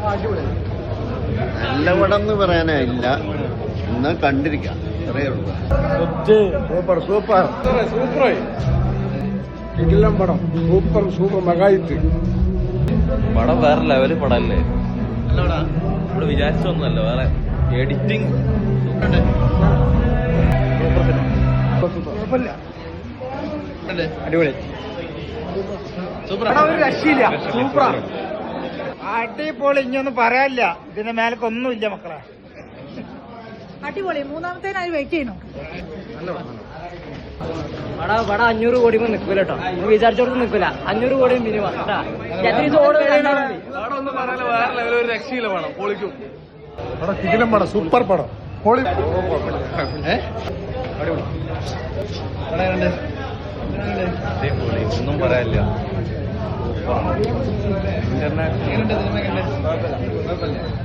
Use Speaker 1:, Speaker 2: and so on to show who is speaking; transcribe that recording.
Speaker 1: നല്ല പടം എന്ന് പറയാനില്ല, എന്നാൽ കണ്ടിരിക്കാം, അത്രയേ ഉള്ളൂ.
Speaker 2: സൂപ്പർ സൂപ്പർ സൂപ്പറായി കിടിലം പടം. സൂപ്പർ സൂപ്പർ മെഗായിറ്റ്
Speaker 3: പടം വേറെ ലെവല് പടല്ലേ. നമ്മള് വിചാരിച്ചൊന്നുമല്ല, വേറെ എഡിറ്റിംഗ്
Speaker 2: അടിപൊളി
Speaker 4: ഒരു രക്ഷയില്ല, സൂപ്പറാ, അടിപൊളി. ഇനിയൊന്നും പറയാനില്ല, ഇതിന്റെ മേലക്കൊന്നുമില്ല മക്കളെ.
Speaker 5: അടിപൊളി. മൂന്നാമത്തേനായി വെയിറ്റ് ചെയ്യണോ?
Speaker 6: വട 500 കോടി നിൽക്കൂല കേട്ടോ. വിചാരിച്ചോടത്ത് നിൽക്കൂല. 500 കോടി മിനിമം
Speaker 3: രക്ഷയില്ല പടം. പൊളിക്കും
Speaker 2: പടം, കിടിലം പടം, സൂപ്പർ പടം, പൊളി.
Speaker 3: ഒന്നും പറയാനില്ല.